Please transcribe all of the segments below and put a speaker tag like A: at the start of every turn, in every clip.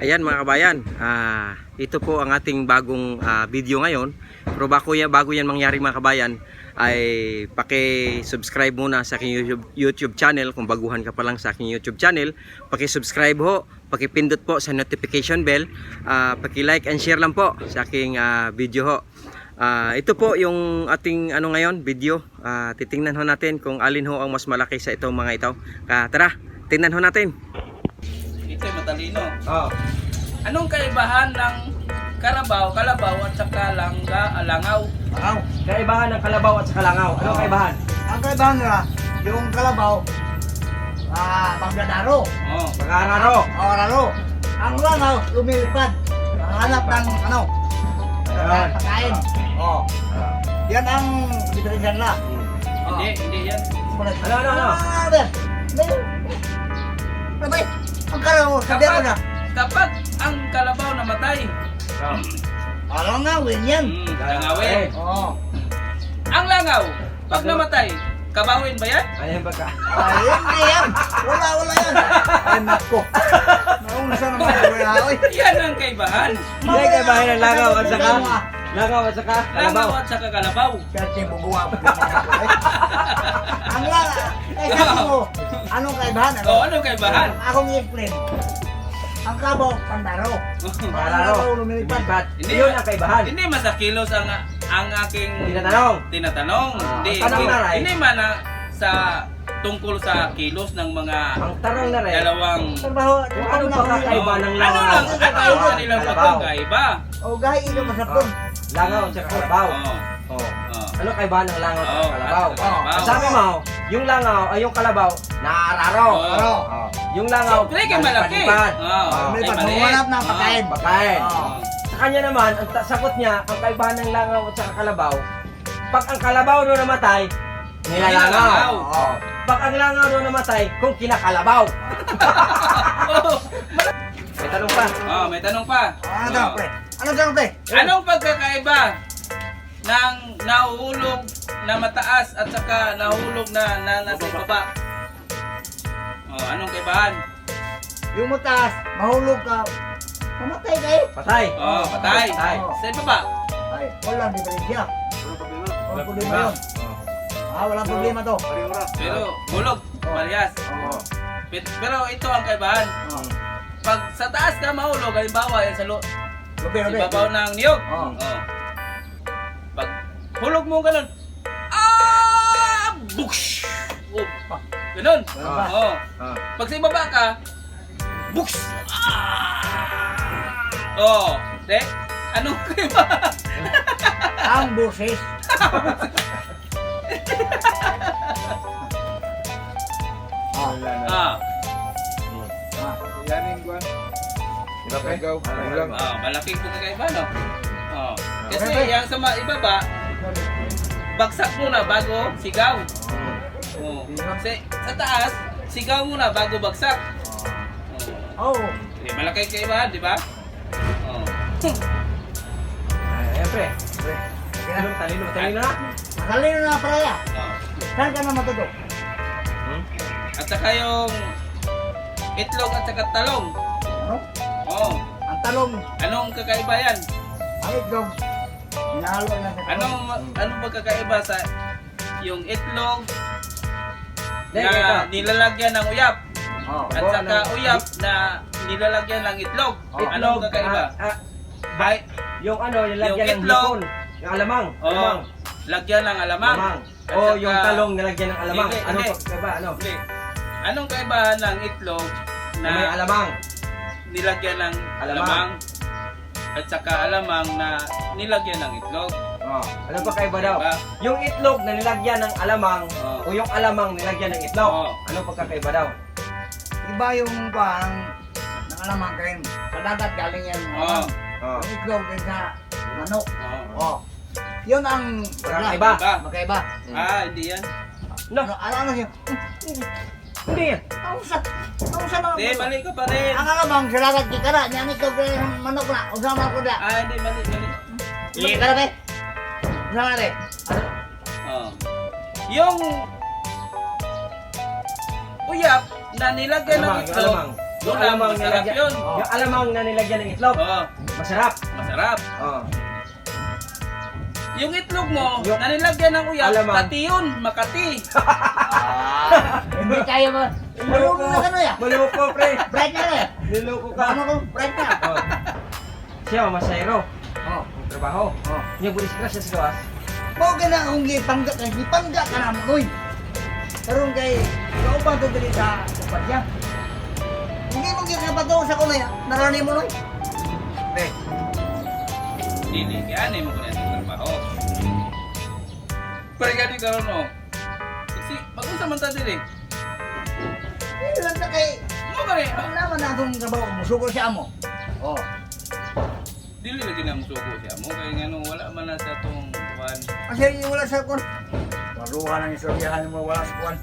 A: Ayan mga kabayan, ito po ang ating bagong video ngayon. Pero bago yan mangyari mga kabayan, ay paki-subscribe muna sa aking YouTube channel. Kung baguhan ka pa lang sa aking YouTube channel, paki-subscribe ho, paki-pindot po sa notification bell, paki-like and share lang po sa aking video ho. Ito po yung ating ngayon video. Titingnan ho natin kung alin ho ang mas malaki sa itong mga ito. Tara, tingnan ho natin.
B: Ito'y matalino.
A: Oh.
B: Anong kaibahan ng kalabaw at saka langaw?
A: Kaibahan ng kalabaw at saka langaw. Anong kaibahan?
C: Ang kaibahan nila, yung kalabaw, magdadaro.
B: Oh.
A: Mag-aararo.
C: Raro. Ang langaw, lumilipad. Hanap ng pagkain. Yan ang diferensya nila.
B: Hindi yan.
A: Ano?
C: Sabay, ang kalabaw, sabi ako na.
B: Kapag ang kalabaw namatay,
C: Langawin yan.
B: langawin. Ang langaw, pag namatay, kabawin ba yan?
A: Ano yung pagka?
C: Hindi yan. Wala yan. Ay, nako. Naunsa naman ako yan.
B: Yan ang kaibahan.
A: Hindi kaibahan ng langaw at saka langaw at saka
B: Langaw
A: kalabaw.
B: at saka kalabaw.
C: Kasi bubuwa. Ang langaw. Sabi mo, anong kaibahan?
B: Anong kaibahan?
C: Akong i-explain. Ang kalabaw, pandaro.
A: Palaro.
C: Lumilipad.
B: Hindi
A: Yun ang kaibahan.
B: Hindi masakilos ang aking
A: Tinatanong.
B: Hindi man sa tungkol sa kilos ng mga
A: Ang tanong na rin.
B: dalawang
C: Trabaho,
A: Kung ano pagkakaiba ng
B: ano
A: langaw
B: lang
A: at saka
B: ano ang kanilang
A: kalabaw?
B: pagkakaiba?
C: O gahi ilo masapon.
A: Langaw at saka kalabaw.
B: Oh.
A: Ano kaibahan ng langaw at
B: Oh,
A: saka kalabaw?
B: at saka kalabaw.
A: Sabi mo, yung langaw ay yung kalabaw naararo.
B: Oo.
A: Yung langaw
B: Siyempre kay malaki.
A: nalipad-lipad.
C: May
B: Ay, mali.
C: paghuhanap ng pagkain.
A: Pagkain.
C: Oo.
A: Sa kanya naman, ang sagot niya, ang kaibahan ng langaw at saka kalabaw, pag ang kalabaw doon namatay, nilalangaw.
B: Nilalangaw.
A: Oo. Pag ang langaw doon namatay, kung kinakalabaw. May tanong pa.
B: May tanong pa.
C: Ano daw, pre? Ano daw, pre?
B: Anong pagkakaiba ng nahuhulog na mataas at saka nahuhulog na nasa baba? Anong kaibahan?
C: Yung mataas, mahulog ka. Mamatay kayo.
A: Patay.
B: Patay.
A: Patay.
B: Sa baba?
C: Ay, walang diferensya. Walang problema yun. Walang problema to.
B: Pero hulog. Parehas. Pero ito ang kaibahan. Pag sa taas ka mahulog, halimbawa yan sa ibabaw ng niyog.
C: Oo.
B: Pag hulog mo ganun, buks! Ganun. Oo. Pag sa ibaba ka, buks! De? Anong kaibahan?
C: Ang busis.
B: Malaking pagkakaiba, no? Kasi yung sa ibaba, bagsak muna bago sigaw. Kasi sa taas, sigaw muna bago bagsak. Malaking kaibahan, di ba?
A: Ayan, pre. Talino na.
C: Matalino na paraya. Saan ka na matuto?
B: At saka yung itlog at saka talong.
C: Ano? Ang talong,
B: Anong kakaiba yan?
C: ang itlog, hinahalo na sa talong.
B: Anong pagkakaiba sa yung itlog
A: Dahil ito.
B: na nilalagyan ng uyap at
A: Oo,
B: saka uyap na nilalagyan ng itlog? Anong kakaiba? Ay,
A: yung nilagyan
B: Yung
A: ng
B: itlog.
A: hipon. Yung alamang.
B: lagyan ng alamang. At
A: O
B: saka-
A: yung talong nilagyan ng alamang.
B: Hindi,
A: Ano
B: hindi.
A: po? Diba? Ano?
B: Hindi. Anong kaibahan ng itlog
A: Na may
B: na
A: alamang.
B: nilagyan ng
A: Alamang.
B: alamang at saka alamang na nilagyan ng itlog?
A: Ano pa kaiba daw?
B: Diba?
A: Yung itlog na nilagyan ng alamang
B: Oo.
A: o yung alamang nilagyan ng itlog.
B: Oo.
A: Ano pagkakaiba daw?
C: Iba yung pang nakalamang kain. Sa dagat galing yan.
B: Oo.
C: Yung itlog din sa manok.
B: Oo.
C: Yun ang
A: Magkaiba.
C: magkaiba.
B: Hindi yan.
A: No,
C: Ano siya?
A: hindi yan.
C: Ang sa mga
B: Hindi, mali ka pa rin.
C: ang alamang sa dagat kikara. Yan itlog din ng manok na. Usama ko na.
B: Hindi, mali.
C: Kikara be? Usama be?
B: Yung uyap na nilagyan ng
A: Alamang, yung
B: itlog,
A: alamang. Yung
B: Alamang masarap yun.
A: Yung alamang na nilagyan ng itlog.
B: Oo,
A: Masarap.
B: masarap.
A: Oh.
B: Yung itlog mo,
A: Yung-
B: na nilagyan ng uyap,
A: Alamang.
B: Kati yun, Makati.
C: Hindi kaya mo. Marunong na ka na ya.
A: Maloko, pre.
C: Bright na rin.
A: Niloko ka.
C: Ano ko? Bright na.
A: Oh. Siya, masayro.
C: Oh.
A: Trabaho.
C: Oh.
A: Yung bulis ka siya sa gawas.
C: Mau ka na akong gipangga ka na mo koy. Karon kay ikaw pa to dili sa upat niya. Hindi mo ginapato sa kuno ya. Narani mo noy. Eh,
B: Dili, kaya ano mo ko na yung trabaho. Pero gani karon no. Kasi, mag-unsa man ta dili.
C: hindi lang na kay
B: Mo gani,
C: ang naman na itong trabaho mo. Suko siya mo. Oh.
B: dili lagi na musuko siya mo. Kaya nga no, wala man na sa tong kuwan.
C: Kasi wala sa kun. Maruha ng istoryahan mo wala sa kun.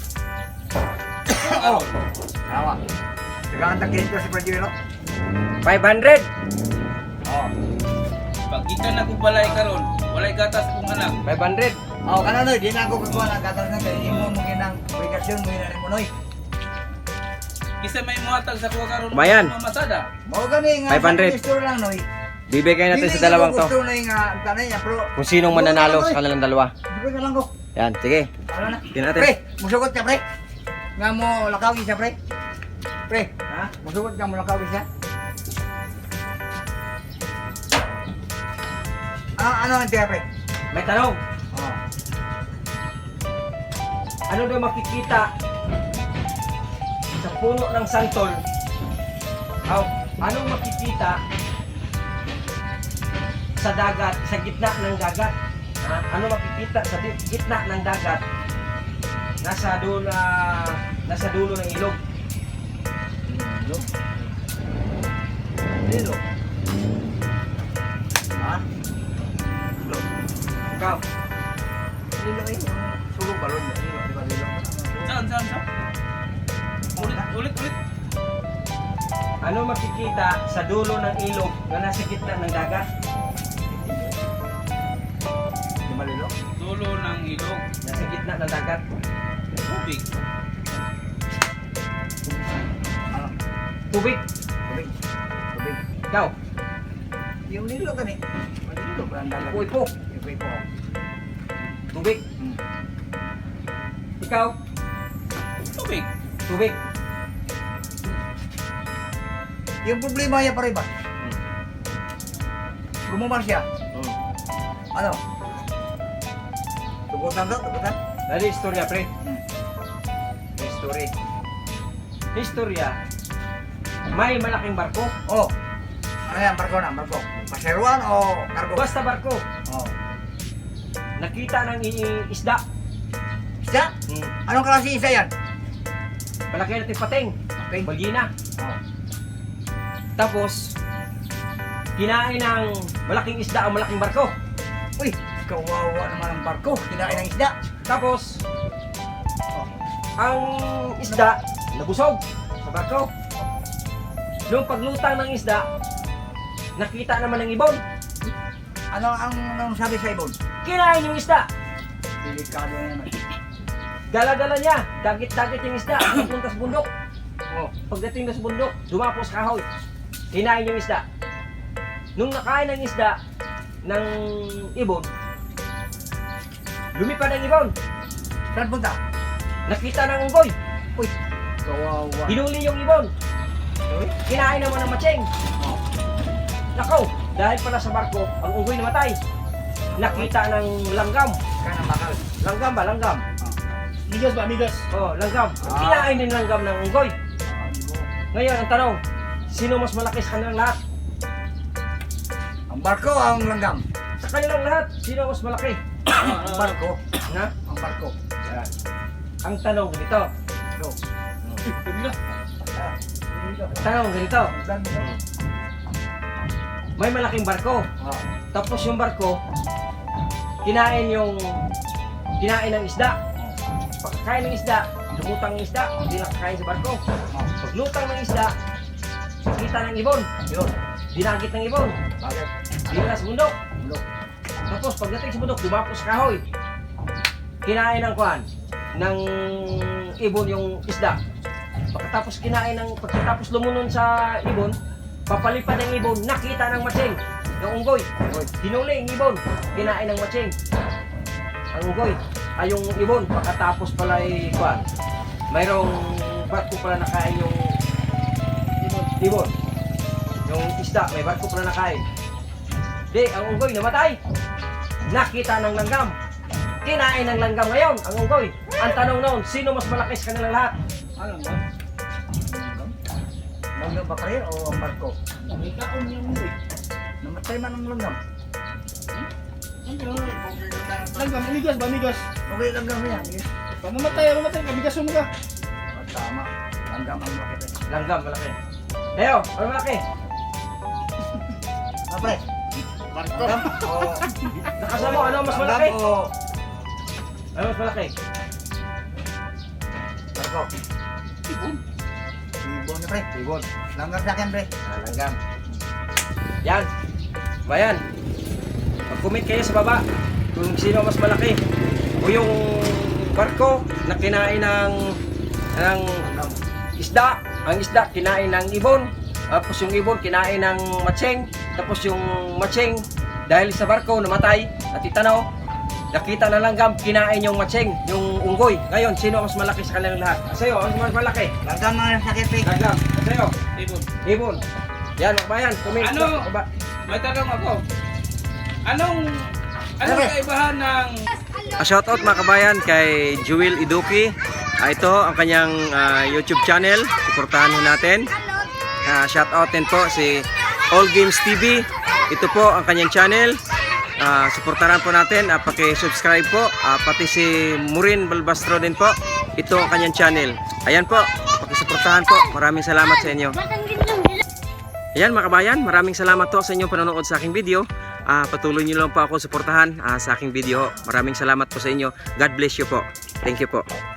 C: Oh. Tawa. Tegaan ta kinito si Pradilo.
A: 500.
C: Oh.
B: Pag ikan na balay karon, walay gatas kong anak.
A: 500.
C: Oh, kana noy, di na ako kukuha ng gatas na kay imo mo ginang obligasyon mo ina mo noy.
B: Kisa may muhatag sa kuha karon.
A: Bayan.
B: Mamasada.
C: Mao gani nga
A: 500.
C: gusto lang noy.
A: Bibigay natin
C: Dili
A: sa dalawang
C: ko
A: to.
C: Gusto na nga tanay ya pro.
A: Kung sinong mananalo sa kanilang dalawa.
C: Sige na lang ko.
A: Yan, sige.
C: Wala na.
A: Tingnan natin.
C: Pre, musugot ka pre. Nga mo lakawin siya pre. Pre, ha? Musugot ka mo lakawin siya. Ah, ano ang tiya pre?
A: May tanong.
C: Oh.
A: Ano daw makikita sa puno ng santol? Ano makikita sa dagat, sa gitna ng dagat? Ha? Ano makikita sa gitna ng dagat? Nasa dulo ng ilog.
C: Lilo. Lilo. Ha? Lilo.
A: Ikaw,
C: Lilo eh. Sulog balon. Lilo, di ba lilo?
B: Saan? Ulit.
A: ano makikita sa dulo ng ilog na nasa gitna ng dagat?
C: Di ba lilo?
B: Dulo ng ilog.
A: Nasa gitna ng dagat.
B: Tubig.
C: Ano?
A: Tubig.
C: Tubig. Tubig.
A: Ikaw,
C: Yung lilo ka ni. Lilo ba ang dagat?
A: ipo-ipo.
C: Ipo-ipo.
A: Tubig.
C: Hmm.
A: Ikaw,
B: Tubig.
A: tubig.
C: Yung problema niya pare ba? Lumumar siya. Ano? Tugutan to, tugutan.
A: Dali istorya, pre.
C: Hmm.
A: History. Istorya. May malaking barko.
C: Oh. Ano yan, barko na, barko. Paseruan o kargo?
A: Basta barko.
C: Oh.
A: Nakita ng isda.
C: Isda? Anong klase isa yan?
A: Malaki natin pating.
C: Okay.
A: Bagina.
C: Oh.
A: Tapos, kinain ng malaking isda ang malaking barko.
C: Uy, kawawa naman ang barko. Kinain ng isda.
A: Tapos, ang isda nabusog sa barko. Nung paglutang ng isda, nakita naman ng ibon.
C: Ano ang sabi sa ibon?
A: Kinain yung isda.
C: Delikado na naman.
A: Dala-dala niya. Dagit-dagit yung isda. Papunta sa bundok.
C: Oh.
A: Pagdating na sa bundok, dumapos kahoy. Kinain yung isda. Nung nakain ng isda ng ibon, lumipad ang ibon.
C: Saan punta?
A: Nakita ng unggoy.
C: Uy, kawawa.
A: Hinuli yung ibon.
C: Uy.
A: Kinain naman ng matseng.
C: Oh.
A: Nakaw, dahil pala sa barko, ang unggoy namatay. Nakita ng langgam.
C: Kanang bakal.
A: Langgam ba? Langgam.
C: Migas ba, migas?
A: Oh, langgam.
C: Ah.
A: Kinain din langgam ng unggoy. Ngayon, ang tanong, sino mas malaki sa kanilang lahat?
C: Ang barko o ang langgam?
A: Sa kanilang lahat, sino mas malaki?
C: Ang barko.
A: Na?
C: Ang barko.
A: Yan. Ang tanong ganito.
C: Go.
A: Ang tanong ganito. May malaking barko.
C: Oh.
A: Tapos yung barko, kinain ng isda. Pagkain ng isda, lumutang ng isda, hindi nakakain sa barko. Paglutang ng isda, kita ng ibon.
C: Yun.
A: Dinagit ng ibon.
C: Bakit?
A: Dinala sa bundok.
C: Ulo.
A: Tapos pagdating sa bundok, dumapos sa kahoy. Kinain ng kuan ng ibon yung isda. Pagkatapos lumunod sa ibon, papalipad ng ibon, nakita ng matsing. Yung unggoy, hinuli yung ibon, kinain ng matsing. Ang unggoy, ay yung ibon, pagkatapos pala kuan, mayroong barko pala nakain yung ibon. Yung isda, may barko pala nakain. Di, ang unggoy namatay. Nakita ng langgam. Kinain ng langgam ngayon, ang unggoy. Ang tanong noon, sino mas malaki sa kanilang lahat?
C: Alam mo? Langgam ba kayo o ang barko?
B: May kaon yung unggoy.
C: Namatay man ang langgam.
B: Langgam, migas ba, migas?
C: Okay, langgam yan.
B: Pag mamatay, kabigas mo ka.
C: Tama. Langgam ang makita.
A: Langgam, malaki. Leo, ano malaki?
C: Apre.
B: Barko.
C: O...
A: Nakasama mo, ano mas malaki?
C: Langgam o...
A: Ano mas malaki?
C: Barko.
B: Ibon.
C: Ibon na pre.
A: Ibon.
C: Langgam sa akin pre.
A: Langgam. Yan. Bayan. Mag-comment kayo sa baba kung sino mas malaki. O yung barko na kinain ng isda. Ang isda kinain ng ibon. Tapos yung ibon kinain ng matseng. Tapos yung matseng dahil sa barko namatay. At itanaw, nakita na langgam kinain yung matseng, yung unggoy. Ngayon, sino ang mas malaki sa kanilang lahat? Sa'yo, ang mas malaki?
C: Langgam ang sakit pre.
A: Langgam. Sa'yo?
B: Ibon.
A: Ibon. Yan, bayan. Comment
B: Ano?
A: sa baba.
B: May tanong ako. Anong
C: Ano?
B: kaibahan ng
A: Shoutout mga kabayan kay Jewel Iduki. Ito ang kanyang YouTube channel. Suportahan ho natin. Shoutout din po si All Games TV. Ito po ang kanyang channel. Suportahan po natin. Paki-subscribe po. Pati si Murin Balbastro din po. Ito ang kanyang channel. Ayan po. Paki-suportahan po. Maraming salamat sa inyo. Ayan mga kabayan, maraming salamat po sa inyong panonood sa aking video. Patuloy niyo lang po ako suportahan sa aking video. Maraming salamat po sa inyo. God bless you po. Thank you po.